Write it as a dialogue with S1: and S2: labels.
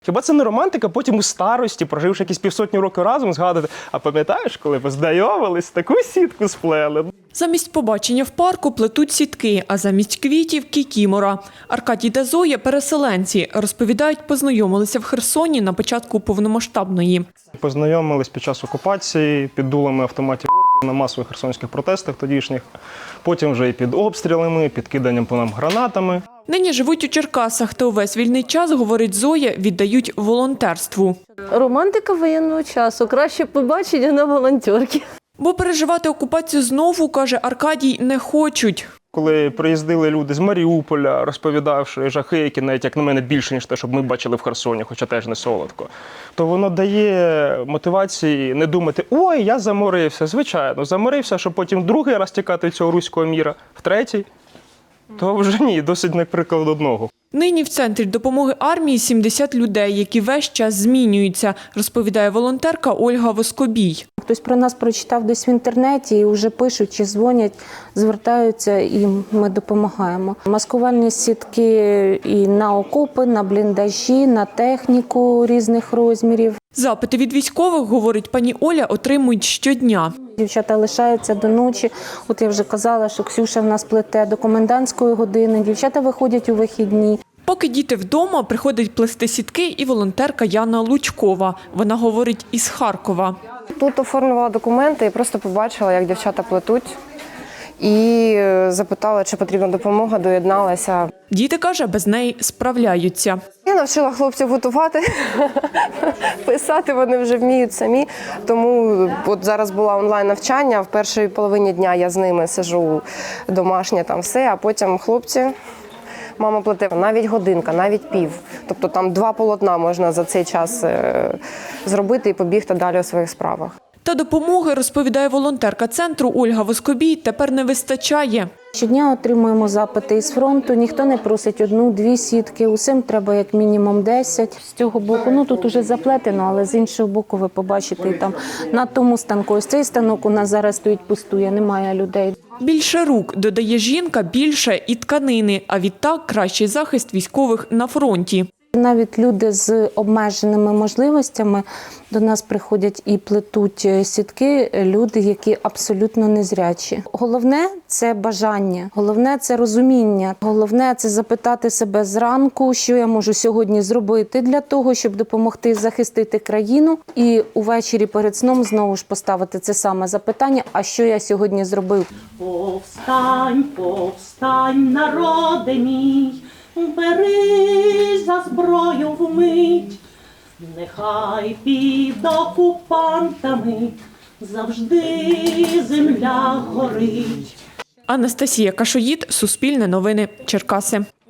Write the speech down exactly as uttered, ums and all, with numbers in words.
S1: Хіба це не романтика, потім у старості, проживши якісь півсотні років разом, згадати, а пам'ятаєш, коли познайомились, таку сітку сплели?
S2: Замість побачення в парку плетуть сітки, а замість квітів – кікімора. Аркадій та Зоя – переселенці. Розповідають, познайомилися в Херсоні на початку повномасштабної.
S1: Познайомились під час окупації, під дулами автоматів орків на масових херсонських протестах тодішніх. Потім вже і під обстрілами, під киданням по нам гранатами.
S2: Нині живуть у Черкасах та увесь вільний час, говорить Зоя, віддають волонтерству.
S3: Романтика воєнного часу. Краще побачення на волонтерки.
S2: Бо переживати окупацію знову, каже Аркадій, не хочуть.
S1: Коли приїздили люди з Маріуполя, розповідавши жахи, які навіть, як на мене, більше, ніж те, щоб ми бачили в Херсоні, хоча теж не солодко, то воно дає мотивації не думати, ой, я заморився. Звичайно, заморився, щоб потім другий раз тікати від цього руського міра, в третій. То вже ні, досить, наприклад, одного.
S2: Нині в центрі допомоги армії сімдесят людей, які весь час змінюються, розповідає волонтерка Ольга Воскобій.
S4: Хтось про нас прочитав десь в інтернеті і вже пишуть чи дзвонять, звертаються і ми допомагаємо. Маскувальні сітки і на окопи, на бліндажі, на техніку різних розмірів.
S2: Запити від військових, говорить пані Оля, отримують щодня.
S4: Дівчата лишаються до ночі. От я вже казала, що Ксюша в нас плете до комендантської години. Дівчата виходять у вихідні.
S2: Поки діти вдома, приходить плести сітки і волонтерка Яна Лучкова. Вона говорить із Харкова.
S5: Тут оформлювала документи і просто побачила, як дівчата плетуть. І запитала, чи потрібна допомога, доєдналася.
S2: Діти, каже, без неї справляються.
S5: Я навчила хлопців готувати, писати вони вже вміють самі. Тому от зараз було онлайн-навчання, в першій половині дня я з ними сиджу домашнє, там все, а потім хлопці, мама плете, навіть годинка, навіть пів. Тобто там два полотна можна за цей час зробити і побігти далі у своїх справах.
S2: Та допомоги, розповідає волонтерка центру Ольга Воскобій, тепер не вистачає.
S4: Щодня отримуємо запити із фронту, ніхто не просить одну-дві сітки, усім треба як мінімум десять. З цього боку, ну тут уже заплетено, але з іншого боку ви побачите, там на тому станку, ось цей станок у нас зараз стоїть пустує, немає людей.
S2: Більше рук, додає жінка, більше і тканини, а відтак кращий захист військових на фронті.
S4: Навіть люди з обмеженими можливостями до нас приходять і плетуть сітки, люди, які абсолютно незрячі. Головне – це бажання, головне – це розуміння, головне – це запитати себе зранку, що я можу сьогодні зробити для того, щоб допомогти захистити країну. І увечері перед сном знову ж поставити це саме запитання, а що я сьогодні зробив.
S6: Повстань, повстань, народе мій, бери за зброю вмить, нехай під окупантами завжди земля горить.
S2: Анастасія Кашоїд, Суспільне новини, Черкаси.